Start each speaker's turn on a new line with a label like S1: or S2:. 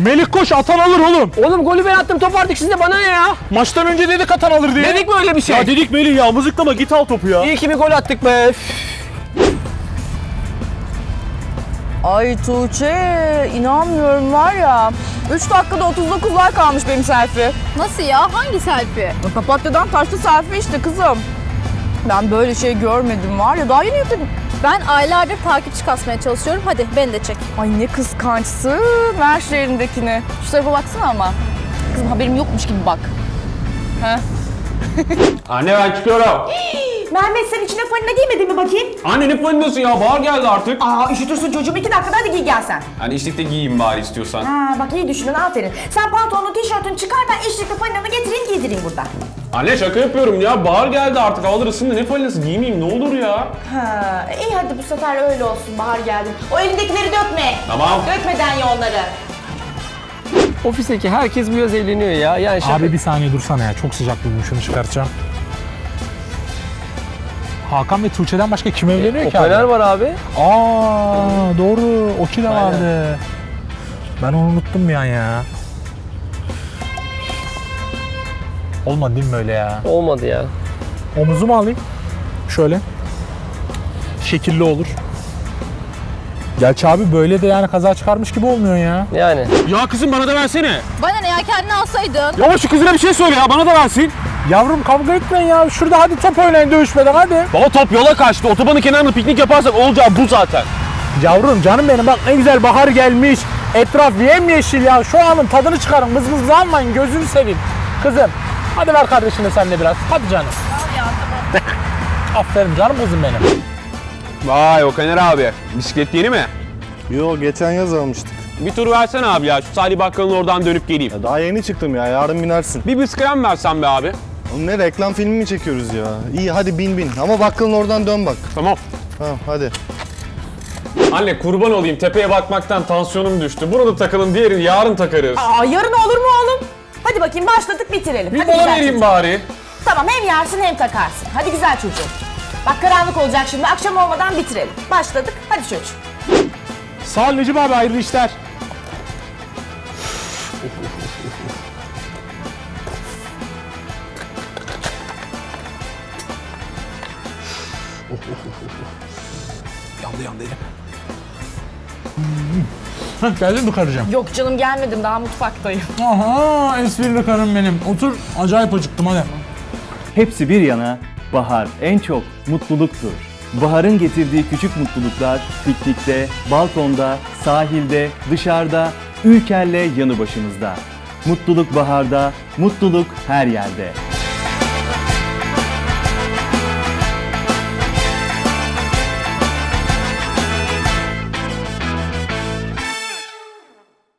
S1: Melih koş, atan alır oğlum.
S2: Oğlum golü ben attım, top artık sizde, bana ne ya?
S1: Maçtan önce dedik atan alır diye.
S2: Dedik mi öyle bir şey?
S1: Ya dedik Melih ya, mızıklama git al topu ya.
S2: İyi ki bir gol attık be.
S3: Ay Tuğçe, inanmıyorum var ya. 3 dakikada 39 like almış benim selfie.
S4: Nasıl ya? Hangi selfie?
S3: Papatyadan taşlı selfie işte kızım. Ben böyle şey görmedim var ya, daha yeni yükledim.
S4: Ben aylardır takipçi kasmaya çalışıyorum. Hadi beni de çek.
S3: Ay ne kıskançsın. Ver şu elindekini. Şu tarafa baksana ama. Kızım haberim yokmuş gibi bak. He?
S5: Anne ben çıkıyorum.
S6: Mehmet sen içine fanina giymedin mi bakayım?
S5: Anne ne falinası ya? Bahar geldi artık.
S6: Aa üşütürsün çocuğum 2 dakikada hadi giy gel sen.
S5: Hani içlikte giyeyim bari istiyorsan.
S6: Ha bak iyi düşünün aferin. Sen pantolonun tişörtünü çıkar ben içlikli faninanı getireyim giydireyim burada.
S5: Anne şaka yapıyorum ya. Bahar geldi artık. Havalar ısındı. Ne falinası giymeyeyim ne olur ya.
S6: Ha iyi hadi bu sefer öyle olsun bahar geldi. O elindekileri dökme.
S5: Tamam.
S6: Dökmeden ye onları.
S2: Ofisteki herkes bu yaz eğleniyor ya. Yani şaka.
S1: Abi bir saniye dursana ya, çok sıcak buldum, şunu çıkartacağım. Hakan ve Tuğçe'den başka kim evleniyor ki abi?
S2: Fener var abi.
S1: Aa doğru, Oki de vardı. Ben onu unuttum bir an ya. Olmadı değil mi böyle ya?
S2: Olmadı ya.
S1: Omuzumu alayım. Şöyle. Şekilli olur. Gerçi abi böyle de yani kaza çıkarmış gibi olmuyor ya.
S2: Yani.
S5: Ya kızım bana da versene.
S4: Bana ne ya? Kendini alsaydın.
S5: Ya şu kızına bir şey söyle ya. Bana da versin.
S1: Yavrum kavga etmeyin ya. Şurada hadi top oynayın dövüşmeden hadi.
S5: Baba top yola kaçtı. Otobanın kenarında piknik yaparsak olacağı bu zaten.
S1: Yavrum canım benim bak ne güzel bahar gelmiş. Etraf yemyeşil ya. Şu anın tadını çıkarın. Mızmızlı almayın, gözünü seveyim. Kızım hadi ver kardeşine sen de biraz. Hadi canım.
S4: Al ya tamam.
S1: Aferin canım kızım benim.
S5: Vay Okaner abi. Bisiklet yeni mi?
S7: Yo geçen yaz almıştık.
S5: Bir tur versene abi ya. Şu Salih Bakkal'ın oradan dönüp geleyim.
S7: Ya daha yeni çıktım ya, yarın binersin.
S5: Bir bisiklet versen be abi.
S7: Oğlum ne reklam filmi mi çekiyoruz ya? İyi hadi bin ama bakkalın oradan dön bak.
S5: Tamam.
S7: Tamam hadi.
S5: Anne kurban olayım. Tepeye bakmaktan tansiyonum düştü. Burada takalım, diğerini yarın takarız.
S6: Aa yarın olur mu oğlum? Hadi bakayım başladık bitirelim.
S5: Bir
S6: Hadi
S5: mola
S6: güzel
S5: vereyim
S6: çocuğum.
S5: bari.
S6: Tamam hem yersin hem takarsın. Hadi güzel çocuğum. Bak karanlık olacak şimdi akşam olmadan bitirelim. Başladık hadi çocuğum.
S1: Sağ ol Necip abi, hayırlı işler. Yandı elim. Geldin mi karıcığım?
S3: Yok canım gelmedim, daha mutfaktayım.
S1: Aha esprili karım benim. Otur, acayip acıktım hadi.
S8: Hepsi bir yana, bahar en çok mutluluktur. Baharın getirdiği küçük mutluluklar piknikte, balkonda, sahilde, dışarıda, Ülker'le yanı başımızda. Mutluluk baharda, mutluluk her yerde.